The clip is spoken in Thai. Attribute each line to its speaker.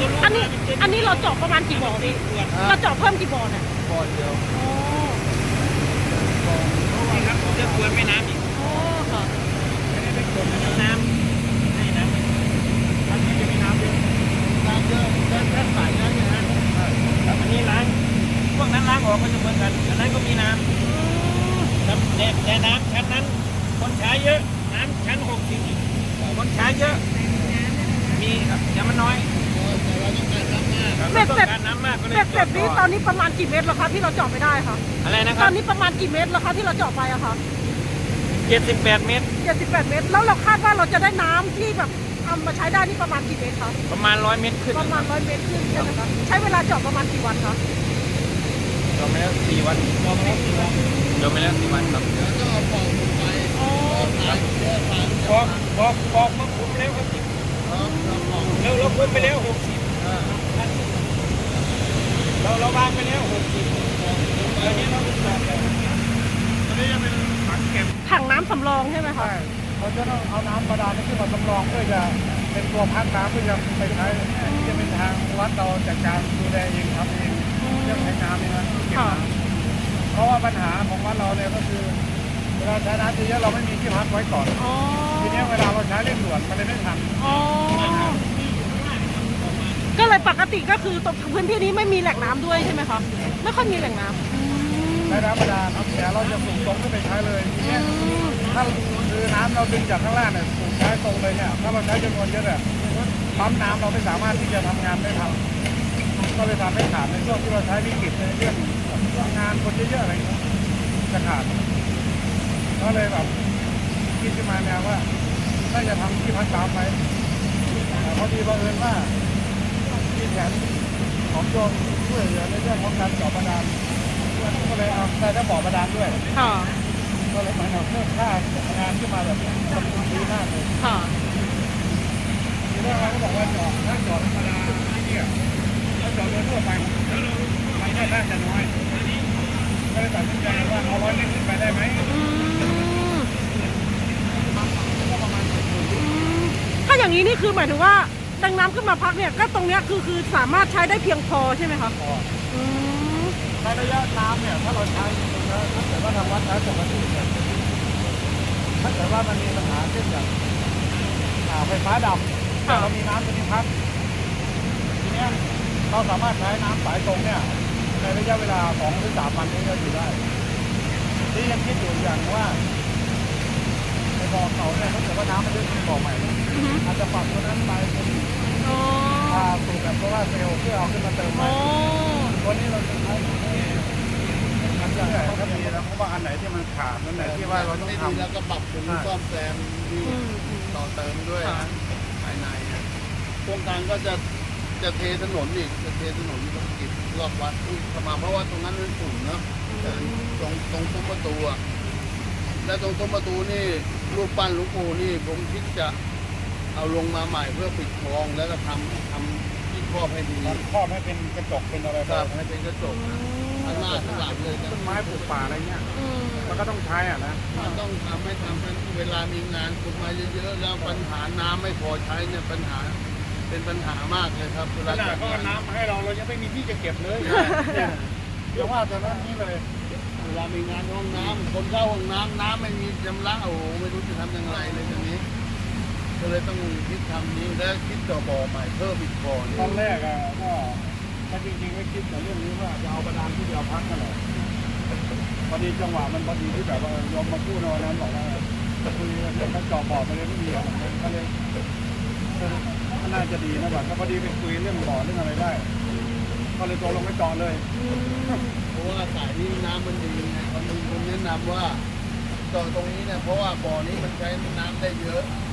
Speaker 1: อันนี้เราเจาะประมาณกี่บ่อพี่เราเจาะเพิ่มกี่บ่อเนี่ย
Speaker 2: บ่อเดียว
Speaker 1: อ๋อ
Speaker 2: นี่ครับผมจะกวนแม่น้ำอีก
Speaker 1: อ๋อค่ะ
Speaker 2: ไม่ได้เป็นคนน้ำให้น้ำท่านนี้จะมีน้ำเยอะน้ำเยอะแค่สายน้ำเนี่ยนะแล้วอันนี้ล้างพวกนั้นล้างออกก็จะเหมือนกันอันนั้นก็มีน้ำแต่น้ำชั้นนั้นคนใช้เยอะน้ำชั้น60คนใช้เยอะมีครับแต่มันน้อย
Speaker 1: เบ็ดเสร็จนี้ตอนนี้ประมาณกี่เมตรแล้วคะที่เราเจาะไม่ได้คะ
Speaker 2: อะไรนะค
Speaker 1: ต
Speaker 2: รับ
Speaker 1: อนนี้ประมาณกี่เมตรแล้วคะที่เราเจาะไปอะคะ
Speaker 2: 78 เมตร
Speaker 1: 78 เมตรแล้วเราคาดว่าเราจะได้น้ำที่แบบเอามาใช้ได้นี่ประมาณกี่เมตรคะ
Speaker 2: ประมาณ100 เมตรขึ้น
Speaker 1: ประมาณ100 เมตรขึ้นใช่ไหมคะใช้เวลาเจาะประมาณกี่วันคะ
Speaker 2: จบไปแล้ว4 วันจบไปแล้ว4 วันครับแล้วก็ปอกไปปอกมาคุมแล้วครับแล้วเราคุมไปแล้ว60เราวางไปแล้ว60แล้วนี้เราเป็นแบบอันนี้ยังเป็นถังเก็บ
Speaker 1: ถังน้ำสำรองใช่ไหมคะ
Speaker 3: ใช่เขาจะต้องเอาน้ำบาดาลขึ้นมาสำรองเพื่อจะเป็นตัวพักน้ำเพื่อจะไปใช้จะเป็นทางวัดเราจัดการดูแลเองทำเองเรื่องใช้น้ำนี่นะเก็บน้ำเพราะว่าปัญหาของวัดเราเนี่ยก็คือเวลาใช้น้ำเยอะเราไม่มีที่พักไว้ก่อนทีนี้เวลาเราใช้เร่งด่วนมันเลยไม่ทัน
Speaker 1: ก็เลยปกติก็คือตรงพื้นที่นี้ไม่มีแหล่งน้ำด้วยใช่ไหมคะไม่ค่อยมีแหล่งน้ำ
Speaker 3: ใช้น้ำบาดาลแต่เราจะสูบตรงขึ้นไปใช้เลยทีนี้ถ้าคือน้ำเราดึงจากข้างล่างเนี่ยสูบใช้ตรงเลยเนี่ยถ้าเราใช้จำนวนเยอะเนี่ยปั๊มน้ำเราไม่สามารถที่จะทำงานได้ทำก็เลยทำให้ขาดในช่วงที่เราใช้วิกฤตในเรื่องงานคนเยอะๆอะไรจะขาดก็เลยแบบคิดขึ้นมาแนวว่าน่าจะทำที่พักน้ำไปพอดีบังเอิญว่าที่แผนของโยมช่วยเหลือในเรื่องของการเจาะบาดาลก็เลยเอาได้ทั้งบ่อบาดาลด้วยก็เลยมาเอาเพิ่มค่างานขึ้นมาแบบทำดีมากเลยทีแรกเราก็บอกว่าเจาะถ้าเจาะธรรมดาเนี่ยถ้าเจาะโดยทั่วไปรายได้น่าจะน้อยก็เลยตัดสินใจว่าเอา100 เมตรขึ้นไปได้ไหม
Speaker 1: ถ้าอย่างนี้นี่คือหมายถึงว่าดังน้ำขึ้นมาพักเนี่ยก็ตรงเนี้ยคือสามารถใช้ได้เพียงพอใช่ไหมคะ
Speaker 3: ในระยะน้ำเนี่ยถ้าเราใช้ถ้าเกิดว่าทางวัดใช้ปกติเนี่ยถ้าเกิดว่ามันมีปัญหาเช่นอย่างไฟฟ้าดับเรามีน้ำตัวนี้พักทีนี้เราสามารถใช้น้ำสายตรงเนี่ยในระยะเวลา2 หรือ 3 วันนี้ก็อยู่ได้ที่ยังคิดอยู่อย่างว่าในบ่อเขาเนี่ยถ้าเกิดว่าน้ำมันเยอะขึ้นบ่อใหม่อาจจะปรับตัวนั้นไปเป็นสูบแบบโซล่าเซลล์เพื่อเอาขึ้นมาเติมใหม่วันนี้เราจะใช้มันจะถ้าดีแล้วเพราะว่าอันไหนที่มันขาดอันไหนที่ว่าเราต้องทำแล้วก็ปรับปรุงซ่อมแซมต่อเติมด้วยภายในโครงการก็จะเทถนนอีกจะเทถนนกิจรอบวัดเข้ามาเพราะว่าตรงนั้นมันสูงเนาะตรงซุ้มประตูและตรงซุ้มประตูนี่รูปปั้นหลวงปู่นี่ผมคิดจะเอาลงมาใหม่เพื่อปิดคลองแล้วก็ทำที่ครอบให้ดีครอบให้เป็นกระจกเป็นอะไรครับให้เป็นกระจกข้างหน้าข้างหลังเลยต้นไม้ปลูกป่าอะไรเงี้ยมันก็ต้องใช้นะมันต้องทำเวลามีงานปลูกมาเยอะๆแล้วปัญหาน้ำไม่พอใช้เนี่ยเป็นปัญหามากเลยครับเวลาเขาเอาน้ำมาให้เรายังไม่มีที่จะเก็บเลยเดี๋ยวว่าแต่นั้นนี้เลยเวลามีงานห้องน้ำคนเข้าห้องน้ำไม่มีชำระโอ้ไม่รู้จะทำยังไงเลยตรงนี้ก็เลยต้องคิดทำนี้และคิดต่อบ่อใหม่เพิ่มอีกบ่อตอนแรกก็จริงๆไม่คิดแต่เรื่องนี้ว่าจะเอาบาดาลที่เดียวพักกันเลยพอดีจังหวะมันพอดีที่แบบว่ายอมมาพูดในวันนั้นบอกว่าคุยกันเรื่องเจาะบ่อไปเลยไม่มีก็เลยน่าจะดีนะแบบพอดีไปคุยเรื่องบ่อเรื่องอะไรได้ก็เลยตกลงไปเจาะเลยเพราะว่าสายนี้น้ำมันดีไงคนแนะนำว่าเจาะตรงนี้เนี่ยเพราะว่าบ่อนี้มันใช้น้ำได้เยอะ